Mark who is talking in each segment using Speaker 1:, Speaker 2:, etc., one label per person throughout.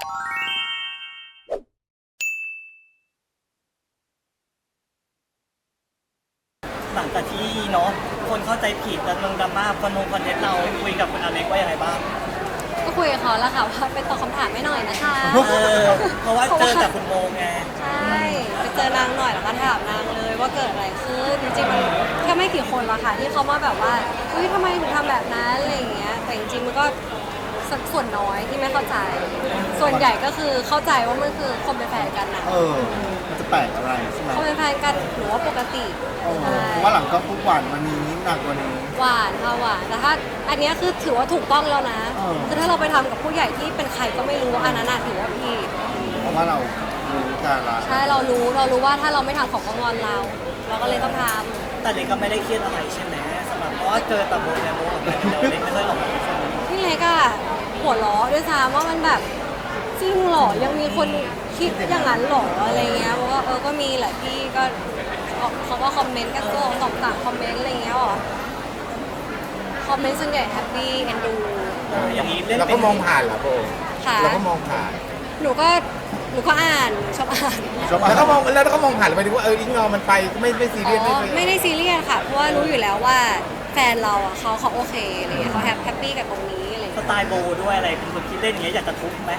Speaker 1: หลังจากที่เนาะคนเข้าใจผิดแล้วลงดราม่าคอนเทนต์เราคุยกับคุณอเล็กว่าอย่างไรบ้าง
Speaker 2: ก็คุยกับเขาแล้วค่ะว่าไปตอบคำถามไม่หน่อยนะคะ
Speaker 1: เพราะว่าเจอจากคุณโมไง
Speaker 2: ใช่ไปเจอนางหน่อยแล้วก็ถามนางเลยว่าเกิดอะไรขึ้นจริงๆมันแค่ไม่กี่คนละค่ะที่เขามาแบบว่าเฮ้ยทำไมถึงทำแบบนั้นอะไรอย่างเงี้ยแต่จริงๆมันก็ส่วนน้อยที่ไม่เข้าใจ ส่วนใหญ่ก็คือเข้าใจว่ามันคือคนเป็นแฟนกันนะ
Speaker 3: มันจะแปลกอะไรใช่ไหม
Speaker 2: คนเป็นแฟนกันหรือว่าปกติ
Speaker 3: เพราะว่าหลังก็ปุ๊บหวานวันนี้หนักกว่านี้
Speaker 2: หวานค่ะหวานแต่ถ้าอันเนี้ยคือถือว่าถูกต้องแล้วนะ คือถ้าเราไปทำกับผู้ใหญ่ที่เป็นใครก็ไม่รู้อันนั้นถือว่าผิด
Speaker 3: เพราะว่าเรารู้การละ
Speaker 2: ใช่เรารู้ว่าถ้าเราไม่ทำของก็งอนเราก็เลยต้องท
Speaker 1: แต่เล็กก็ไม่ได้เครียดอะไรใช่ไหมสำหรับเพราะว่าเจอแต่โมเนี่ยโมกับเล็กไม่เคยหลอกคน
Speaker 2: ำพี่เล็กอะหัวล้อด้วยซ้ำว่ามันแบบจริงเหรอยังมีคนคิดอย่างนั้นเหรออะไรเงี้ยเพราะว่าก็มีแหละพี่ก็เขาก็คอมเมนต์กันก็2-3คอมเมนต์อะไรเงี้ยหรอคอมเมนต์ส่วนใหญ่แฮปปี้เอ็นดู
Speaker 1: อย่างนี้เล่น
Speaker 4: เรา
Speaker 1: เป็
Speaker 4: ก็
Speaker 1: น
Speaker 4: มองผ่านเหรอโบ
Speaker 2: ค่ะ
Speaker 4: เราก็มองผ่าน
Speaker 2: หนูก็อ่านชอบอ่าน
Speaker 4: แล้วก็มองผ่านไปถึงว่าอิงนอมันไปไม่ซีเรียส
Speaker 2: ไม่ได้ซีเรียสค่ะเพราะว่ารู้อยู่แล้วว่าแฟนเราอ่ะเขาโอเคอะไรเงี้ยเขาแฮปปี้กับตรงนี้อะไร
Speaker 1: ส
Speaker 2: เงี้ย
Speaker 1: ไตล์โบด้วยอะไรเป็นคนคิดเล่นอย่างเงี้ยอยากจะทุบไหม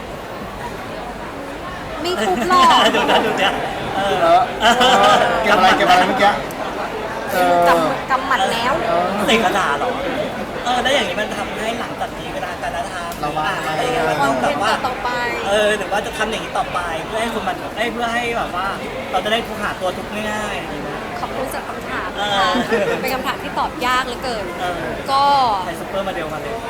Speaker 2: ไม่ทุบหรอก
Speaker 1: ดูนะดูเนี่ย
Speaker 3: แล้วเก็บอะไรเมื่อกี้
Speaker 2: กำหมัดแล้ว
Speaker 1: เสกกระดาษเหรอแล้วอย่างนี้มันทำให้หลังจากนี้เวลาการทำอะไรอย่างเงี้ยมันต้องแบบว่า
Speaker 2: ต่อไป
Speaker 1: หรือว่าจะทำอย่างนี้ต่อไปเพื่อให้คนมันเพื่อให้แบบว่า เราจะได้หาตัวทุกง่ายๆ
Speaker 2: ขอบคุณสำหรับคำถามนะคะ เป็นคำถามที่ตอบยากเหลือเกิน ก็
Speaker 1: ใช้ซุปเปอร์มาเดลมาเลย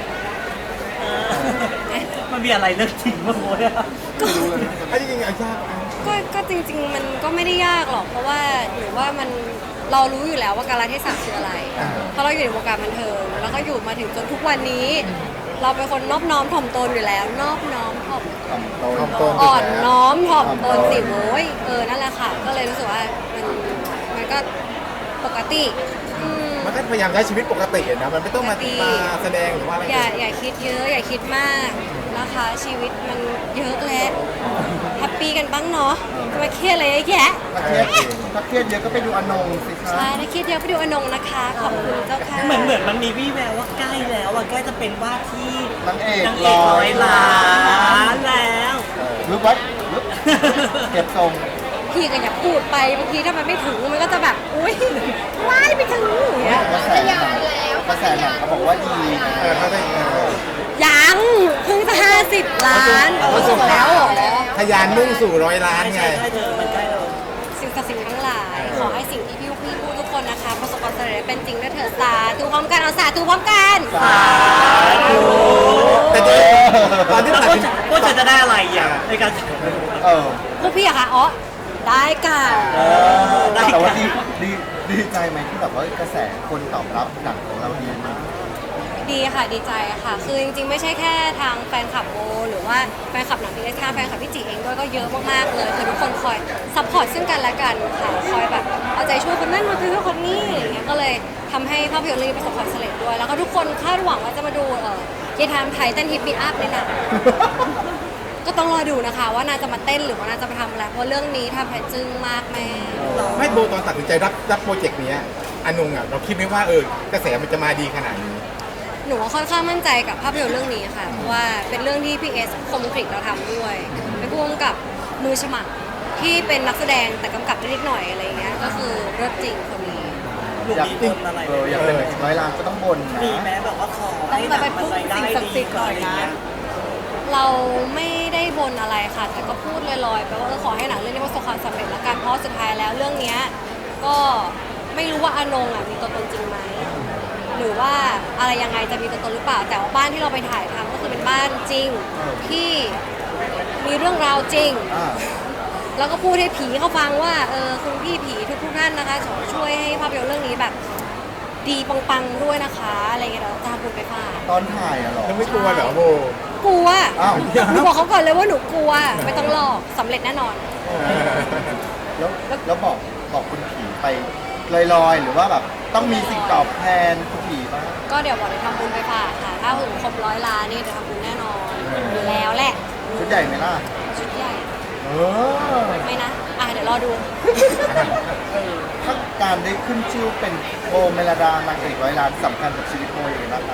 Speaker 1: มันมีอะไรเรื่องจริงมั้งโว้ย
Speaker 4: จริงๆยาก
Speaker 2: ก็จริงๆมันก็ไม่ได้ยากหรอกเพราะว่าหรือว่ามันเรารู้อยู่แล้วว่าการเทศะคืออะไรเพราะเราอยู่ในวงการบันเทิงแล้วก็อยู่มาถึงจนทุกวันนี้ เราเป็นคนนอบน้อมถ่อมตนอยู่แล้วนอบน้อมถ่อม
Speaker 4: ตรง
Speaker 2: อ่อนน้อมถ่อมตนสิโว้ยนั่นแหละค่ะ ก็เลยรู้สึกว่ามันก็ปกติ
Speaker 4: มันก็พยายามใช้ชีวิตปกตินะมันไม่ต้องมาแสดงหรือว่าอะไร
Speaker 2: อย่าคิดเยอะอย่าคิดมากนะคะ ชีวิตมันเยอะแล้วแฮปปี้กันบ้างเนาะจะมาเครียดอะไรเยอะแยะ
Speaker 3: ถ้าเครียดเยอะก็ไปดูอนงสิคะ
Speaker 2: ใช่ถ้าเครียดเยอะไปดูอนงนะคะ ขอบคุณเจ้าค่ะ
Speaker 1: เหมือนมันมีวี่แววว่าใกล้แล้วใกล้จะเป็นว่าที่
Speaker 3: นางเอก
Speaker 1: ร้อยล้านแล้ว
Speaker 3: รู้ไว้เก็บทรง
Speaker 2: พี่ก็อย่าพูดไปบางทีถ้ามันไม่ถึงมันก็จะแบบอุ้ยว้ายไม่ถึงอย่างเงี้ย
Speaker 3: กระแสหนังเขาบอกว่าดีนะ
Speaker 4: เขาได้
Speaker 2: ยังเพิ่งจะ50 ล้านสุดแล้วเหรอ
Speaker 4: ทะยานมุ่งสู่100 ล้านไง
Speaker 1: ใช่เธอมันใกล้เรา
Speaker 2: สิ่งศักดิ์สิทธิ์ทั้งหลายขอให้สิ่งที่พี่พูดทุกคนนะคะประสบความสำเร็จเป็นจริงด้วยเถิดสาธุพร้อมกันเอาสาธุพร้อมกัน
Speaker 4: แต่ตอนที่ตัดสิน
Speaker 1: พวกเธอจะได้อะไรอ่ะในการ
Speaker 2: พวกพี่อะคะอ๋อได้ค่ะ
Speaker 3: แต่ว่าดีใจไหมที่แบบว่ากระแสคนตอบรับหนังของเราดีมาก
Speaker 2: ดีค่ะดีใจค่ะ คือจริงๆไม่ใช่แค่ทางแฟนคลับโบหรือว่าแฟนคลับหนังพีเอสทางแฟนคลับพี่จีเองด้วยก็เยอะมากๆเลยคือทุกคนคอยซัพพอร์ตซึ่งกันและกันค่ะคอยแบบเอาใจช่วยคนนั้นมาคือคนนี้อย่างเงี้ยก็เลยทำให้ภาพยนตร์เรื่องนี้ประสบความสำเร็จด้วย แล้วก็ทุกคนคาดหวังว่าจะมาดูเยทามไทยเต้นฮิปปี้อัพในหนัง ก็ต้องรอดูนะคะว่าน่าจะมาเต้นหรือว่าน่าจะมาทำอะไรเพราะเรื่องนี้ทำให้จึ้งมากแม่
Speaker 4: ไม่โบตอนตัดสินใจรับโปรเจกต์นี้อนงเราคิดไหมว่ากระแสมันจะมาดีขนาดนี้
Speaker 2: หนูค่อนข้างมั่นใจกับภาพยนตร์เรื่องนี้ค่ะเพราะว่าเป็นเรื่องที่พี่เอสคมกริเราทำด้วยเป็นผู้กำกับมือฉมัครที่เป็นนักแสดงแต่กำกับได้นิดหน่อยอะไรเงี้ยก็คือเลิศจริงคนนี้
Speaker 1: หนูมีบนอะไร
Speaker 3: อยากเป็น100 ล้านก็ต้องบนนะ
Speaker 1: มีแม้แบบว่าขอให้หนังมันรายได้ดีก่อนอะไรเงี้ย
Speaker 2: เราไม่ได้บนอะไรค่ะ แต่ก็พูดลอยๆไปว่าขอให้หนังเรื่องนี้ประสบความสำเร็จละกันเพราะสุดท้ายแล้วเรื่องเนี้ยก็ไม่รู้ว่าอนงมีตัวตนจริงไหมหรือว่าอะไรยังไงจะมีตัวตนหรือเปล่าแต่ว่าบ้านที่เราไปถ่ายทำก็คือเป็นบ้านจริงที่มีเรื่องราวจริง แล้วก็พูดให้ผีเขาฟังว่าคุณพี่ผีทุกท่านนะคะช่วยให้ภาพยนตร์เรื่องนี้แบบดีปังๆด้วยนะคะอะไรเงี้ยเราจะทำบุญไปฝาก
Speaker 3: ตอนถ่ายอะหรอ
Speaker 4: ไม่กลัวเหรอโบ
Speaker 2: กลัว
Speaker 3: อ้าว
Speaker 2: หนูบอกเขาก่อนเลยว่าหนูกลัวไม่ต้องหลอกสำเร็จแน่นอน
Speaker 3: แล้วบอกคุณผีไปลอยๆหรือว่าแบบต้องมีสิ่งตอบแทนคุณผีบ้าง
Speaker 2: ก็เดี๋ยวบอกจะทำบุญไปฝากค่ะถ้าถึงครบ100 ล้านนี่จะทำบุญแน่นอนอยู่แล้วแหละ
Speaker 3: ชุดใหญ่ไหมล่ะ
Speaker 2: ชุดใหญ่
Speaker 3: เออ
Speaker 2: ไม่นะเดี๋ยวรอดู
Speaker 3: ถ้าการได้ขึ้นชื่อเป็นโบเมลดานางเอกร้อยล้านสำคัญกับชีวิตโบยังไงบ้างคะ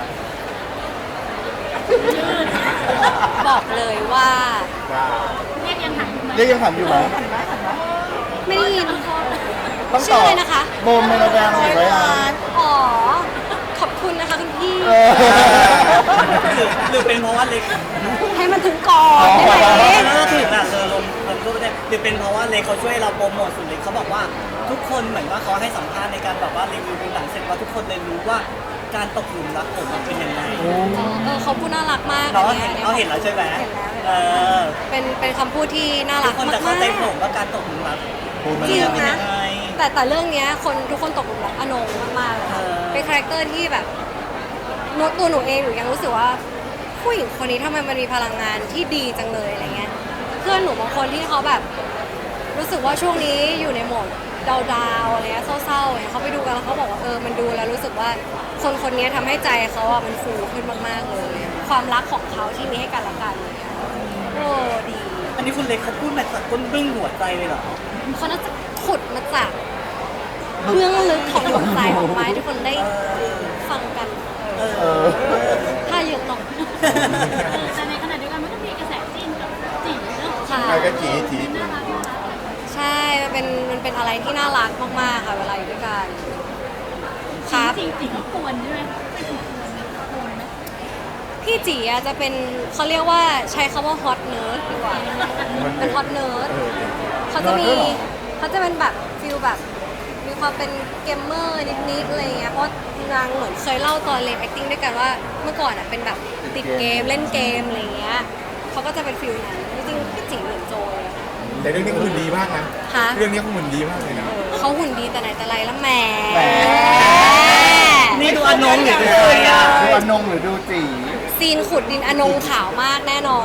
Speaker 2: บอกเลยว่า
Speaker 3: เรียกยังถามอยู่ไหม
Speaker 2: ไม่ได้ยิน
Speaker 3: ต้อง
Speaker 2: ชื่
Speaker 3: ต
Speaker 2: อ
Speaker 3: อบ
Speaker 2: อะไรนะคะ
Speaker 3: โบเมลดานางเอกร้อยล้าน
Speaker 2: อ๋อ ขอบคุณนะคะคุณพี่
Speaker 3: เออ
Speaker 1: หรือเป็นเพราะว่าเล็ก
Speaker 2: ให้มันถึงก่อนได้ไหม
Speaker 1: แล้วถึงลงรูปได้หรือเป็นเพราะว่าเล็กเขาช่วยเราโปรโมทสุดเล็กเขาบอกว่าทุกคนเหมือนว่าเขาให้สัมภาษณ์ในการแบบว่ารีวิวดูหนังเสร็จว่าทุกคนเลยรู้ว่าการตกหลุมรักผมมันเป็นยังไง
Speaker 2: เขาพูดน่ารักมาก
Speaker 1: เนาะ
Speaker 2: อั
Speaker 1: เราเห็นแล้วใช่ไหม
Speaker 2: เห็นแล้ว
Speaker 1: เออ
Speaker 2: เป็นคำพูดที่น่า
Speaker 1: ทุ
Speaker 2: รั
Speaker 1: ก
Speaker 2: ก
Speaker 1: คน
Speaker 2: มา
Speaker 1: จะเข้าใจผม
Speaker 2: ก
Speaker 1: ว่าการตกหลุมรัก
Speaker 3: โบเม
Speaker 2: ๆ
Speaker 3: ล
Speaker 2: จริง
Speaker 3: ดา
Speaker 1: เป็น
Speaker 2: นะ
Speaker 1: ยังไง
Speaker 2: แต่เรื่องเนี้ยทุกคนตกหลุมรักอนงมากๆเลยค่ะ
Speaker 1: เออ
Speaker 2: เป็นคาแรคเตอร์ที่แบบตัวหนูเองหนูยังรู้สึกว่าผู้หญิงคนนี้ทำไมมันมีพลังงานที่ดีจังเลยอะไรเงี้ยเพื่อนหนูบางคนที่เขาแบบ รู้สึกว่าช่วงนี้อยู่ในโหมดดาวๆอะไรเงี้ยเศร้าๆเนี่ยเขาไปดูกันแล้วเขาบอกว่ามันดูแล้วรู้สึกว่าคนคนนี้ทำให้ใจเขาอะมันฟูขึ้นมากๆเลย ความรักของเขาที่มีให้กันและกันเลยอะโอ้ดี
Speaker 1: อันนี้คุณเล็กเขาพูดมาจากก้นบึ้งหัวใจเลยเหรอ
Speaker 2: เขาน่าจะขุดมาจากเบื้องลึกของหัวใจออกมาให้ทุกคนได้ฟังกัน
Speaker 1: เอ
Speaker 3: เอ
Speaker 1: อ
Speaker 3: อ
Speaker 2: ถ้าเยอะหน่อย
Speaker 5: แต่ในขณะเดียวกันมันก็มีกระแสจิ้นกับจีเนอะ
Speaker 2: ค่ะ
Speaker 4: ใครก็จีจี
Speaker 5: น่ารักน่ารัก
Speaker 2: ใช่มันเป็นอะไรที่น่ารักมากๆค่ะเวลาอยู่ด้วยกันครับ
Speaker 5: จริงๆก็ควรใช่ไหมไม่ถูกควรไหม
Speaker 2: พี่จีอะจะเป็นเขาเรียกว่าใช้คำว่าฮอตเนิร์ดดีกว่า เป็นฮอตเนิร์ดเขาจะมี
Speaker 3: เนิร์ดด้วยเหรอ
Speaker 2: เขาจะเป็นแบบฟิลแบบมีความเป็นเกมเมอร์นิดๆอะไรเงี้ยเพราะนางเหมือนเคยเล่าตอนเรียน acting ด้วยกันว่าเมื่อก่อนอะเป็นแบบติดเกมเล่นเกมอะไรเงี้ยเขาก็จะเป็นฟิลนั้นจริงๆพี่จีเหมือนโจเลยอะ
Speaker 4: แต่เรื่องนี้เขาหุ่นดีมากนะ
Speaker 2: ฮะ
Speaker 4: เรื่องนี้เขาหุ่นดีมากเลยนะ
Speaker 2: เขาหุ่นดีแต่ไหนแต่ไรแล้วแหม
Speaker 3: แหม
Speaker 1: นี่ดูอนงหรือดูใครอ่ะ
Speaker 3: ดูอนงหรือดูจี
Speaker 2: ซีนขุดดินอนงขาวมากแน่นอน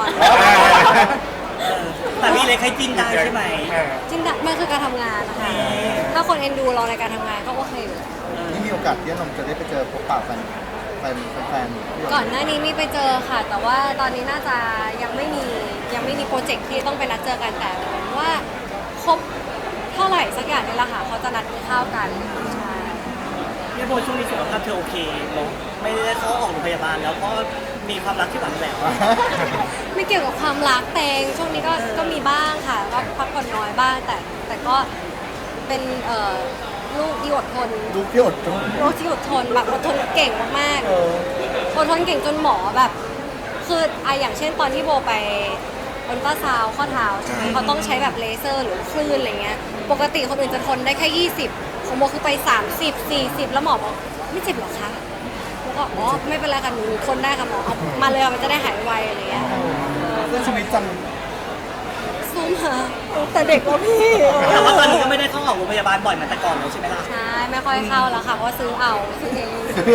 Speaker 1: แต่พี่เล็กให้จิ้นได้ใช่ไหม
Speaker 2: จริงๆมันคือการทำงานนะคะ ถ้าคนเอ็นดูเราในการทำงานก็โอเคอยู่แล้ว
Speaker 3: นี่มีโอกาสที่อนงจะได้ไปเจอพบปะแฟนๆ
Speaker 2: ก่อนหน้านี้มีไปเจอค่ะ แต่ว่าตอนนี้น่าจะยังไม่มีโปรเจกต์ที่ต้องไปนัดเจอกันแต่เหมือนว่าครบเท่าไหร่สักอย่างนี่แหละค่ะเขาจะนัดกินข้าวกันใช่
Speaker 1: พี่โบช่วงนี้สุขภาพเธอโอเคเนาะไม่ได้เข้าออกโรงพยาบาลแล้วก็มีความรักที่หวานแหวว
Speaker 2: ไม่เกี่ยวกับความรักเตงช่วงนี้ก็มีบ้างค่ะก็พักผ่อนน้อยบ้างแต่ก็เป็นลูกที่อดทน
Speaker 3: ลูกที่อดทน
Speaker 2: ลูกที่อดทนแบบอดทนเก่งมาก
Speaker 3: เออ
Speaker 2: ๆอดทนเก่งจนหมอแบบ คืออย่างเช่นตอนที่โบไปอัลตราซาวด์ข้อเท้าใช่ไหมเขาต้องใช้แบบเลเซอร์หรือคลื่นอะไรเงี้ยปกติคนอื่นจะทนได้แค่ 20ของโบคือไป 30 40 แล้วหมอบอกไม่เจ็บหรอคะแล้วก็อ๋อไม่เป็นไรค่ะหนูทนได้ค่ะหมอเอามาเลยมันจะได้หายไวอะไรเงี้ย
Speaker 3: เพื่อชีวิตจัง
Speaker 2: ซูมหาแต่เด็กแล้วพี่
Speaker 1: แต่ว่าตอนนี้ก็ไม่ได้เข้าออกโรงพยาบาลบ่อยเหมือนแต่ก่อนแล้วใช่ไหมล่ะ
Speaker 2: ใช่ไม่ค่อยเข้าแล้วค่ะเพราะว่าซื้อเอาซื้อเอง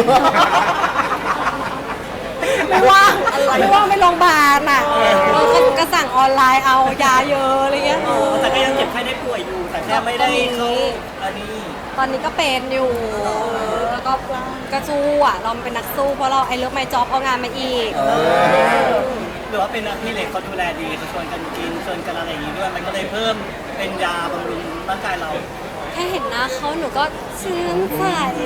Speaker 2: ไม่ว่างไม่โรงพยาบาลอ่ะเราก็สั่งออนไลน์เอายาเยอะอะไรเงี้ย
Speaker 1: แต่ก็ยังเจ็บไข้ได้ป่วยอยู่ แต่แค่ไม่ได้เข้าอันนี้
Speaker 2: ตอนนี้ก็เป็นอยู่แล้วก็สู้อ่ะเราเป็นนักสู้เพราะเราไอ้เลิฟไมจ็อบเอางานมาอีก
Speaker 1: หรือว่าเป็นพี่เล็กเขาดูแลดีเขาชวนกันกินชวนกันอะไรอย่างนี้ด้วย มันก็เลยเพิ่มเป็นยาบำรุงร่างกายเรา
Speaker 2: แค่เห็นหน้าเขาหนูก็ชื่นใจ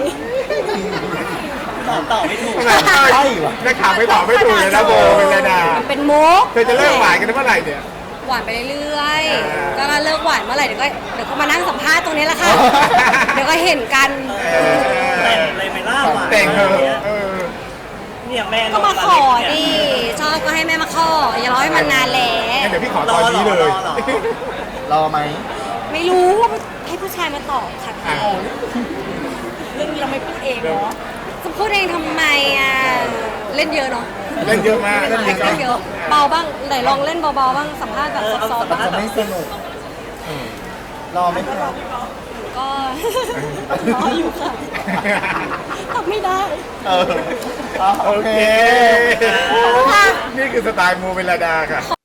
Speaker 1: ต่อไม่ถูก
Speaker 3: ใช่วะ
Speaker 4: นักข่าวไม่ตอบไม่ถูกเลยนะโบเป็นไรนะ
Speaker 2: มันเป็นมุก
Speaker 4: เธอจะเลิกหวานกันเมื่อไหร่เนี่ย
Speaker 2: หวานไปเรื่อยๆก็ถ้าเลิกหวานเมื่อไหร่เดี๋ยวก็มานั่งสัมภาษณ์ตรงนี้แหละค่ะ เดี๋ยวก็เห็นกัน
Speaker 1: แต่งเลยไม่ล่าหวาน
Speaker 4: แต่งเธอเออ
Speaker 1: เนี่ยแม่
Speaker 2: ก็มาขอดิชอบก็ให้แม่มาขออย่ารอให้มันนานแล้
Speaker 4: งั้น
Speaker 2: ว
Speaker 4: เดี๋ยวพี่ขอตอนนี้เลย
Speaker 3: รอไหม
Speaker 2: ไม่รู้ให้ผู้ชายมาตอบค่ะ
Speaker 4: อ่ะ
Speaker 2: เรื่องนี้เราไม่พูดเองเนาะจะพูดเองทำไมอ่ะเล่นเยอะเนาะ
Speaker 4: เล่นเยอะมาก
Speaker 2: เล่นเยอะเบาบ้างไหนลองเล่นเบาๆบ้างสัมภาษณ์แบบซอฟต์ๆบ้าง
Speaker 3: จะไม่สนุกรอไหมครับ
Speaker 2: ก็รออยู่ค่ะตอบไม่ได้
Speaker 3: เออโอเค
Speaker 4: นี่คือสไตล์โมเวลดาค่ะ